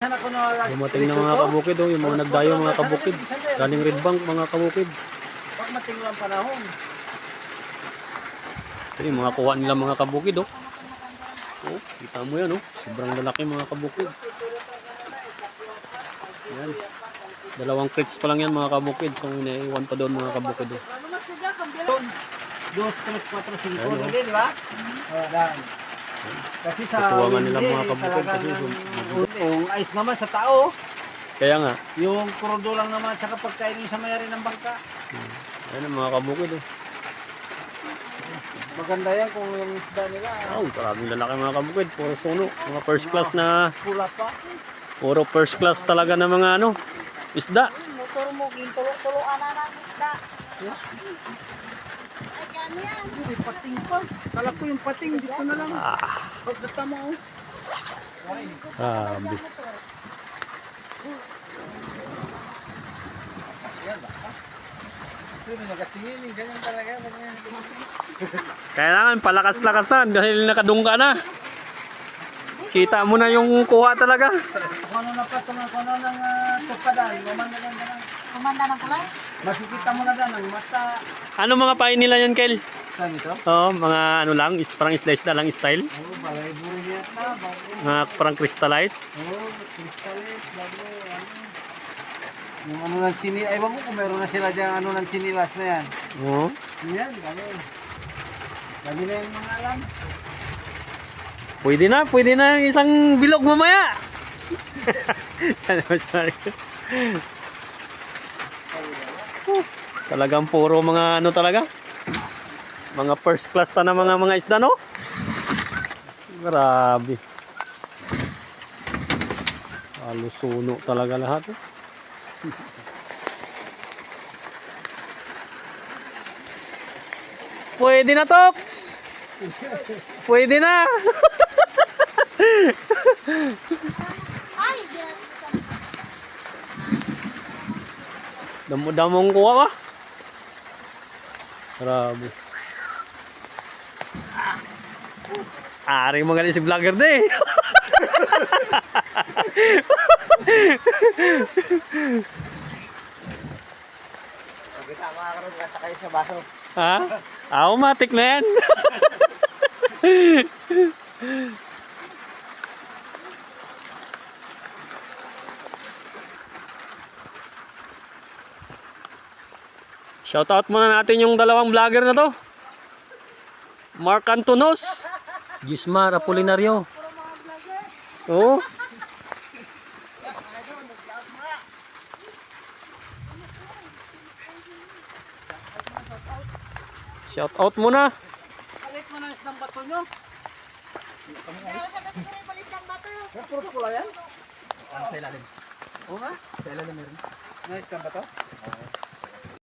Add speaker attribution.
Speaker 1: Dumating na mga kabukid, oh, yung mga nagdayo mga kabukid. Galing Red Bank mga kabukid.
Speaker 2: Pag matinglo ang panahon.
Speaker 1: Ito yung mga kuha nila mga kabukid, oh. Oh, kita mo yan, oh. Sobrang lalaki mga kabukid. Yan. 2 crates pa lang yan mga kabukid. So, inaiwan pa doon mga kabukid, oh.
Speaker 2: 2, 3, 4, 5, di ba? Kasi sa
Speaker 1: tutuwangan nila mga kabukid kasi
Speaker 2: yung ice naman sa tao.
Speaker 1: kaya nga
Speaker 2: Yung krudo lang naman tsaka pagkain sa mayari ng bangka.
Speaker 1: Ayan ang mga kabukid, oh.
Speaker 2: Maganda yan kung yung isda nila.
Speaker 1: Oh, maraming lalaki mga kabukid. Puro suno. Mga first class na.
Speaker 2: Pula pa.
Speaker 1: Puro first class talaga na mga ano, isda.
Speaker 3: Motor mo, gintulo-tuloan na ng isda. Ay, gano yan.
Speaker 2: May pating pa. Kala ko yung pating dito na lang. Pagkata mo.
Speaker 1: Grabe.
Speaker 2: Ganyan talaga.
Speaker 1: Kailangan palakas-lakas na dahil nakadungga na. Kita mo na yung kuha talaga.
Speaker 2: Kung ano na pa ito ng tupadan. Mamanda lang na lang.
Speaker 3: Kumanda ng kulay?
Speaker 2: Makikita mo na lang ang mata.
Speaker 1: Ano mga pain nila yan, Kel?
Speaker 2: Saan ito?
Speaker 1: Oo, mga ano lang, parang isda-isda lang style.
Speaker 2: Oo, balay buri niya na.
Speaker 1: Mga parang crystallite.
Speaker 2: Oo, crystallite. Bago, ano. Yung ano ng chinilas. Ay, mo kung meron na sila dyan ano ng chinilas na yan.
Speaker 1: Oo.
Speaker 2: Yan, dami. Dami na yung mga alam.
Speaker 1: Pwede na yung isang bilog mamaya. Sorry. Talagang puro mga ano talaga. Mga first class ta na mga isda, no? Grabe. Halos suno talaga lahat, eh. Pwede na, Tox! Pwede na!
Speaker 3: Ay,
Speaker 1: Damo-damong kuha ka. Grabe. Ari mo galing si vlogger na, eh.
Speaker 2: Pagkita makakaroon ka sakay sa baso.
Speaker 1: Ha? Automatic na yan. Shoutout muna natin yung 2 vlogger na to. Mark Antonos, Gismar Apolinario. Oo. Shoutout muna.
Speaker 2: Kalit mo na isang bato nyo.
Speaker 3: meron sa kasi palit ng bato.
Speaker 2: Puro pula yan? Sa ilalim. Oo nga? Sa ilalim meron. Na isang bato? Oo.